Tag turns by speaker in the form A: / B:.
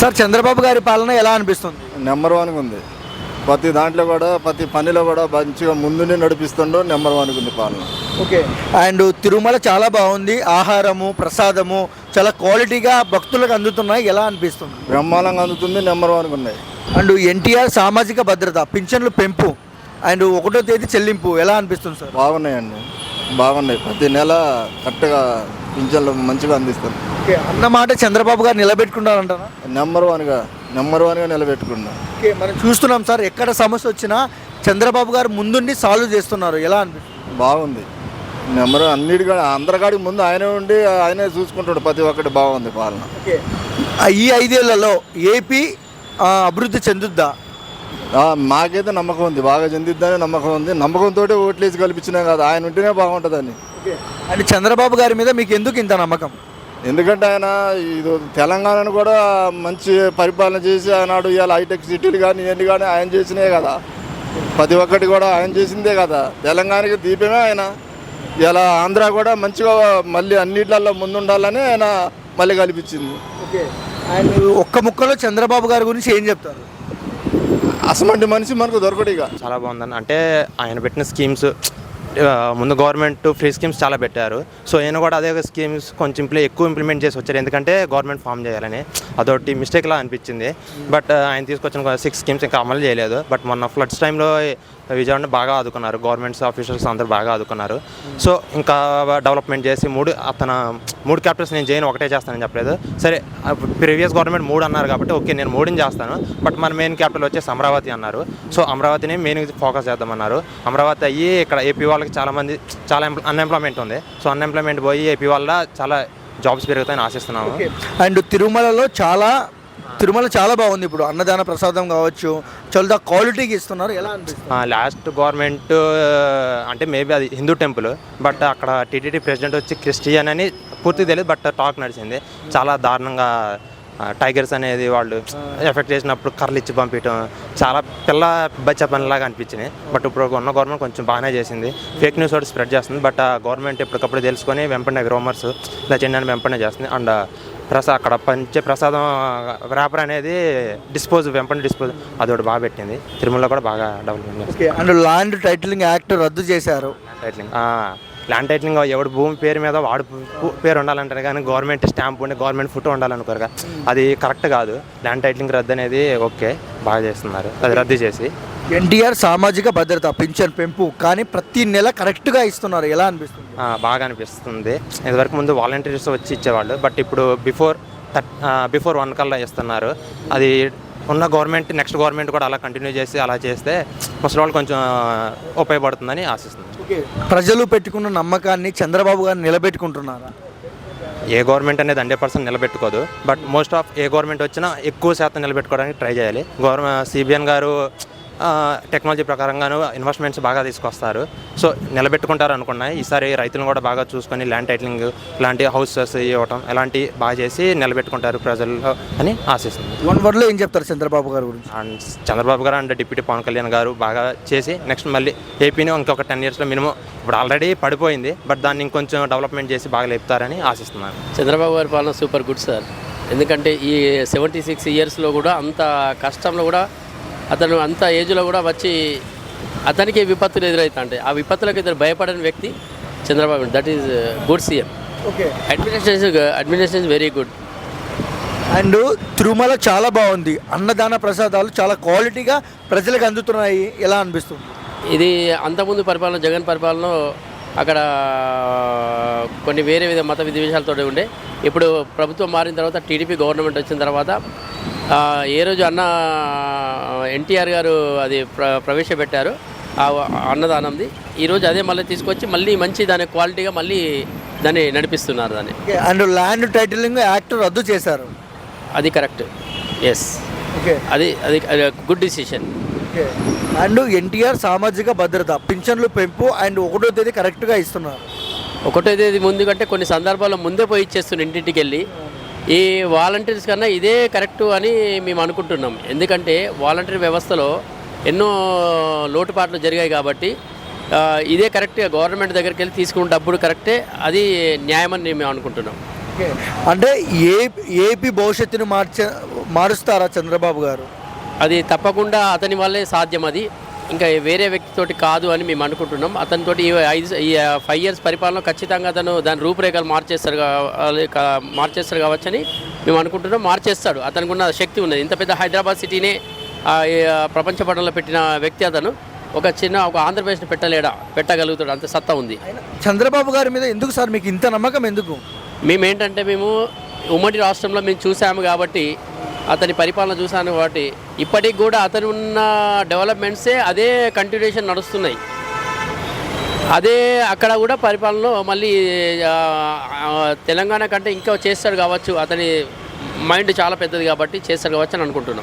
A: Sir Chandrababu గారి పాలన ఎలా అనిపిస్తుంది?
B: నెంబర్ వన్గా ఉంది. ప్రతి దాంట్లో కూడా ప్రతి పనిలో కూడా మంచిగా ముందునే నడిపిస్తుండో నెంబర్ వన్గా ఉంది పాలన.
A: ఓకే. అండ్ తిరుమల చాలా బాగుంది, ఆహారము ప్రసాదము చాలా క్వాలిటీగా భక్తులకు అందుతున్నాయి, ఎలా అనిపిస్తుంది?
B: బ్రహ్మాండంగా అందుతుంది, నెంబర్ వన్గా ఉన్నాయి.
A: అండ్ ఎన్టీఆర్ సామాజిక భద్రత, పింఛన్లు పెంపు అండ్ 1వ తేదీ చెల్లింపు ఎలా అనిపిస్తుంది సార్?
B: బాగున్నాయండి, బాగున్నాయి. ప్రతి నెల కరెక్ట్గా పింఛన్లు మంచిగా అందిస్తారు.
A: ఓకే. అన్నమాట చంద్రబాబు గారు నిలబెట్టుకుంటారంటారా?
B: నెంబర్ వన్గా నిలబెట్టుకున్నాం.
A: ఓకే. మనం చూస్తున్నాం సార్, ఎక్కడ సమస్య వచ్చినా చంద్రబాబు గారు ముందుండి సాల్వ్ చేస్తున్నారు, ఎలా అనిపిస్తుంది?
B: బాగుంది. నెంబర్ అన్నిటిగా అందరికాడికి ముందు ఆయనే ఉండి ఆయనే చూసుకుంటాడు, ప్రతి ఒక్కటి బాగుంది పాలన.
A: ఓకే. ఈ 5 ఏళ్లలో ఏపీ అభివృద్ధి చెందుద్దా?
B: మాకైతే నమ్మకం ఉంది, బాగా చెందిద్దని నమ్మకం ఉంది. నమ్మకంతో ఓట్లేసి కల్పించినాం కదా, ఆయన ఉంటేనే బాగుంటుందని.
A: అండ్ చంద్రబాబు గారి మీద మీకు ఎందుకు ఇంత నమ్మకం?
B: ఎందుకంటే ఆయన ఇది తెలంగాణను కూడా మంచి పరిపాలన చేసి ఆనాడు ఇవాళ హైటెక్ సిటీలు కానీ ఇవన్నీ కానీ ఆయన చేసినే కదా, ప్రతి ఒక్కటి కూడా ఆయన చేసిందే కదా. తెలంగాణకి దీపమే ఆయన. ఇలా ఆంధ్ర కూడా మంచిగా మళ్ళీ అన్నిట్లలో ముందుండాలని ఆయన మళ్ళీ కల్పించింది.
A: ఓకే. అండ్ ఒక్క ముక్కలో చంద్రబాబు గారి గురించి ఏం చెప్తారు?
B: అసమంటి మనిషి మనకు దొరకడు ఇక.
C: చాలా బాగుందని అంటే ఆయన పెట్టిన స్కీమ్స్, ముందు గవర్నమెంట్ ఫ్రీ స్కీమ్స్ చాలా పెట్టారు. సో ఆయన కూడా అదే స్కీమ్స్ కొంచెం ఎక్కువ ఇంప్లిమెంట్ చేసి వచ్చారు, ఎందుకంటే గవర్నమెంట్ ఫామ్ చేయాలని. అదొకటి మిస్టేక్లా అనిపించింది. బట్ ఆయన తీసుకొచ్చిన 6 స్కీమ్స్ ఇంకా అమలు చేయలేదు. బట్ మొన్న ఫ్లడ్స్ టైంలో విజయవాడని బాగా ఆదుకున్నారు, గవర్నమెంట్స్ ఆఫీసర్స్ అందరూ బాగా ఆదుకున్నారు. సో ఇంకా డెవలప్మెంట్ చేసి మూడు క్యాపిటల్స్ నేను చేయను, ఒకటే చేస్తానని చెప్పలేదు. సరే, ప్రీవియస్ గవర్నమెంట్ 3 అన్నారు కాబట్టి ఓకే నేను 3ని చేస్తాను. బట్ మన మెయిన్ క్యాపిటల్ వచ్చేసి అమరావతి అన్నారు. సో అమరావతిని మెయిన్ ఫోకస్ చేద్దామన్నారు. అమరావతి అయ్యి ఇక్కడ ఏపీ వాళ్ళకి చాలా అన్ఎంప్లాయ్మెంట్ ఉంది. సో అన్ఎంప్లాయ్మెంట్ పోయి ఏపీ వల్ల చాలా జాబ్స్ పెరుగుతాయని ఆశిస్తున్నాము.
A: అండ్ తిరుమల చాలా బాగుంది. ఇప్పుడు అన్నదాన ప్రసాదం కావచ్చు, చాలా క్వాలిటీకి ఇస్తున్నారు, ఎలా అనిపిస్తుంది?
C: లాస్ట్ గవర్నమెంట్ అంటే మేబీ అది హిందూ టెంపుల్, బట్ అక్కడ టీటీడీ ప్రెసిడెంట్ వచ్చి క్రిస్టియన్ అని పూర్తి తెలియదు. బట్ టాక్ నడిచింది, చాలా దారుణంగా టైగర్స్ అనేది వాళ్ళు ఎఫెక్ట్ చేసినప్పుడు కర్రలు ఇచ్చి పంపించడం చాలా బచ్చ పనిలాగా అనిపించింది. బట్ ఇప్పుడు ఉన్న గవర్నమెంట్ కొంచెం బాగానే చేసింది. ఫేక్ న్యూస్ ఒకటి స్ప్రెడ్ చేస్తుంది. బట్ ఆ గవర్నమెంట్ ఎప్పటికప్పుడు తెలుసుకొని వెంపనే రూమర్స్ ఇలా చెందని వెంపనే చేస్తుంది. అండ్ అక్కడ పంచే ప్రసాదం ర్యాపర్ అనేది వెంపనే డిస్పోజ్ అదొకటి బాగా పెట్టింది. తిరుమలలో కూడా బాగా డెవలప్మెంట్ చేస్తుంది.
A: అండ్ ల్యాండ్ టైటిలింగ్ యాక్ట్ రద్దు చేశారు.
C: ల్యాండ్ టైటిలింగ్ ఎవడు భూమి పేరు మీద వాడు పేరు ఉండాలంటారు, కానీ గవర్నమెంట్ స్టాంప్ ఉండి గవర్నమెంట్ ఫోటో ఉండాలనుకోరు. అది కరెక్ట్ కాదు. ల్యాండ్ టైటిలింగ్ రద్దు అనేది ఓకే, బాగా చేస్తున్నారు. అది రద్దు చేసి
A: ఎన్టీఆర్ సామాజిక భద్రత, పింఛన్ పెంపు కానీ ప్రతి నెల కరెక్ట్గా ఇస్తున్నారు, ఎలా అనిపిస్తుంది?
C: బాగా అనిపిస్తుంది. ఇదివరకు ముందు వాలంటీర్స్ వచ్చి ఇచ్చేవాళ్ళు, బట్ ఇప్పుడు బిఫోర్ 1 కల్లా ఇస్తున్నారు. అది ఉన్న నెక్స్ట్ గవర్నమెంట్ కూడా అలా కంటిన్యూ చేసి అలా చేస్తే ముసలి వాళ్ళు కొంచెం ఉపయోగపడుతుందని ఆశిస్తుంది.
A: ప్రజలు పెట్టుకున్న నమ్మకాన్ని చంద్రబాబు గారు నిలబెట్టుకుంటున్నారా?
C: ఏ గవర్నమెంట్ అనేది 100% నిలబెట్టుకోదు. బట్ మోస్ట్ ఆఫ్ ఏ గవర్నమెంట్ వచ్చినా ఎక్కువ శాతం నిలబెట్టుకోవడానికి ట్రై చేయాలి. సిబిఎన్ గారు టెక్నాలజీ ప్రకారంగాను ఇన్వెస్ట్మెంట్స్ బాగా తీసుకొస్తారు. సో నిలబెట్టుకుంటారు అనుకున్నాయి. ఈసారి రైతులను కూడా బాగా చూసుకొని ల్యాండ్ టైటిలింగ్ ఇలాంటి హౌసెస్ ఇవ్వటం ఇలాంటి బాగా చేసి నిలబెట్టుకుంటారు ప్రజలు అని ఆశిస్తుంది.
A: 1 wordలో ఏం చెప్తారు చంద్రబాబు గారు గురించి?
C: అండ్ చంద్రబాబు గారు అండ్ డిప్యూటీ పవన్ కళ్యాణ్ గారు బాగా చేసి నెక్స్ట్ మళ్ళీ ఏపీని ఇంకొక 10 yearsలో మినిమం, ఇప్పుడు ఆల్రెడీ పడిపోయింది బట్ దాన్ని ఇంకొంచెం డెవలప్మెంట్ చేసి బాగా లేపుతారని ఆశిస్తున్నాను.
D: చంద్రబాబు గారి పాలన సూపర్ గుడ్ సార్. ఎందుకంటే ఈ 76 yearsలో కూడా అంత కష్టంలో కూడా అతను అంత ఏజ్లో కూడా వచ్చి అతనికి విపత్తులు ఎదురవుతాయి. ఆ విపత్తులకు ఇద్దరు భయపడని వ్యక్తి Chandrababu. That is good CM.
A: Okay.
D: Administration very good.
A: And Tirumala చాలా బాగుంది, అన్నదాన ప్రసాదాలు చాలా క్వాలిటీగా ప్రజలకు అందుతున్నాయి, ఎలా అనిపిస్తుంది?
D: ఇది అంతకుముందు పరిపాలన జగన్ పరిపాలన అక్కడ కొన్ని వేరే మత విద్వేషాలతో ఉండే. ఇప్పుడు ప్రభుత్వం మారిన తర్వాత టీడీపీ గవర్నమెంట్ వచ్చిన తర్వాత ఏ రోజు ఎన్టీఆర్ గారు అది ప్రవేశపెట్టారు ఆ అన్నదానంది, ఈరోజు అదే మళ్ళీ తీసుకొచ్చి మళ్ళీ మంచి దాని క్వాలిటీగా మళ్ళీ దాన్ని నడిపిస్తున్నారు దాన్ని.
A: అండ్ ల్యాండ్ టైటిలింగ్ యాక్ట్ రద్దు చేశారు,
D: అది కరెక్ట్. ఎస్.
A: ఓకే.
D: అది good decision.
A: Okay. And NTR సామాజిక భద్రత, పింఛన్లు పెంపు అండ్ 1వ తేదీ కరెక్ట్గా ఇస్తున్నారు.
D: 1వ తేదీ ముందు కంటే కొన్ని సందర్భాల్లో ముందే పోయి ఇచ్చేస్తున్నారు ఇంటింటికి వెళ్ళి. ఈ వాలంటీర్స్ కన్నా ఇదే కరెక్టు అని మేము అనుకుంటున్నాం. ఎందుకంటే వాలంటీర్ వ్యవస్థలో ఎన్నో లోటుపాట్లు జరిగాయి కాబట్టి ఇదే కరెక్ట్గా గవర్నమెంట్ దగ్గరికి వెళ్ళి తీసుకున్న డబ్బులు కరెక్టే, అది న్యాయమని మేము అనుకుంటున్నాం.
A: ఓకే, అంటే ఏపీ భవిష్యత్తుని మారుస్తారా చంద్రబాబు గారు?
D: అది తప్పకుండా అతని వల్లే సాధ్యం. అది ఇంకా వేరే వ్యక్తితోటి కాదు అని మేము అనుకుంటున్నాం. అతనితోటి ఈ 5 ఇయర్స్ పరిపాలన ఖచ్చితంగా అతను దాని రూపురేఖలు మార్చేస్తారు కావచ్చని మేము అనుకుంటున్నాం. మార్చేస్తాడు, అతనికి ఉన్న శక్తి ఉన్నది. ఇంత పెద్ద హైదరాబాద్ సిటీనే ప్రపంచ పటంలో పెట్టిన వ్యక్తి అతను. ఒక ఆంధ్రప్రదేశ్ని పెట్టగలుగుతాడు, అంత సత్తా ఉంది.
A: చంద్రబాబు గారి మీద ఎందుకు సార్ మీకు ఇంత నమ్మకం ఎందుకు?
D: మేము ఉమ్మడి రాష్ట్రంలో మేము చూసాము కాబట్టి, అతని పరిపాలన చూసాను కాబట్టి ఇప్పటికి కూడా అతను ఉన్న డెవలప్మెంట్సే అదే కంటిన్యూషన్ నడుస్తున్నాయి. అదే అక్కడ కూడా పరిపాలనలో మళ్ళీ తెలంగాణ కంటే ఇంకా చేస్తాడు కావచ్చు. అతని మైండ్ చాలా పెద్దది కాబట్టి చేస్తాడు కావచ్చు అని అనుకుంటున్నాం.